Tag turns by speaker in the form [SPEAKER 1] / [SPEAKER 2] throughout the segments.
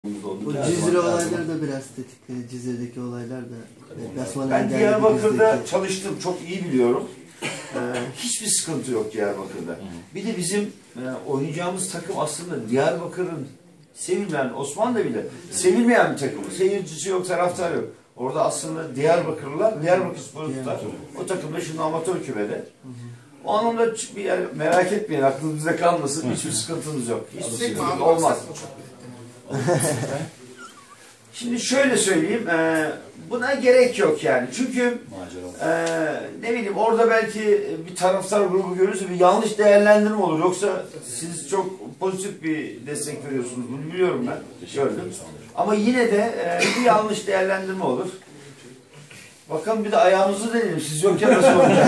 [SPEAKER 1] Bu Cizre olayları da biraz tetik. Cizre'deki olaylar da.
[SPEAKER 2] Ben Diyarbakır'da çalıştım. Çok iyi biliyorum. Hiçbir sıkıntı yok Diyarbakır'da. Bir de bizim oynayacağımız takım aslında Diyarbakır'ın sevilmeyen, Osmanlı'da bile sevilmeyen bir takım. Seyircisi yok, taraftar yok. Orada aslında Diyarbakırlılar, Diyarbakırspor'u tutar. O takım da şimdi amatör kümede. O anlamda bir yer, merak etmeyin, aklınızda kalmasın. Hiçbir sıkıntımız yok. Hiçbir sıkıntı olmaz. Şimdi şöyle söyleyeyim, buna gerek yok yani. Çünkü ne bileyim orada belki bir taraftar grubu görürse bir yanlış değerlendirme olur. Yoksa siz çok pozitif bir destek veriyorsunuz. Bunu biliyorum ben. Gördüm. Ama yine de bir yanlış değerlendirme olur. Bakalım bir de ayağımızı deneyelim. Siz yokken nasıl olacak?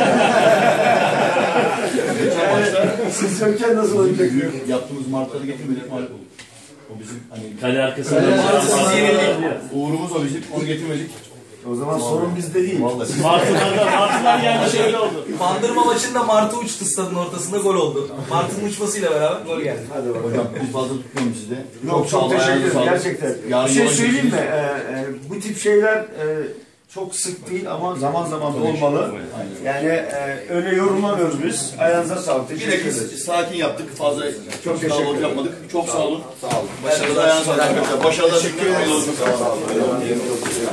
[SPEAKER 2] Siz yokken nasıl olacak?
[SPEAKER 3] Yaptığımız martları getirmedik mağlup olduk. O bizim hani
[SPEAKER 4] kale arkasında
[SPEAKER 3] uğurumuz o bizim, onu getirmedik.
[SPEAKER 2] O zaman sorun bizde değil.
[SPEAKER 4] Martılar yani şey oldu.
[SPEAKER 5] Bandırma maçında Martı uçtu stadın ortasında, gol oldu. Martı'nın uçmasıyla beraber gol geldi.
[SPEAKER 2] Hadi bakalım.
[SPEAKER 3] Hocam biz fazla tutmuyoruz sizi.
[SPEAKER 2] Yok, çok teşekkür ederim gerçekten. Bir şey söyleyeyim mi? Bu tip şeyler çok sık değil ama zaman zaman da olmalı. Yani öyle yorumlamıyoruz biz. Ayağınıza sağlık.
[SPEAKER 3] Bir de biz sakin yaptık. Fazla
[SPEAKER 2] çok teşekkür ederim.
[SPEAKER 3] yapmadık. Çok sağ olun.
[SPEAKER 2] Sağ olun.
[SPEAKER 3] Başarılar. Başarılar. Başarılar.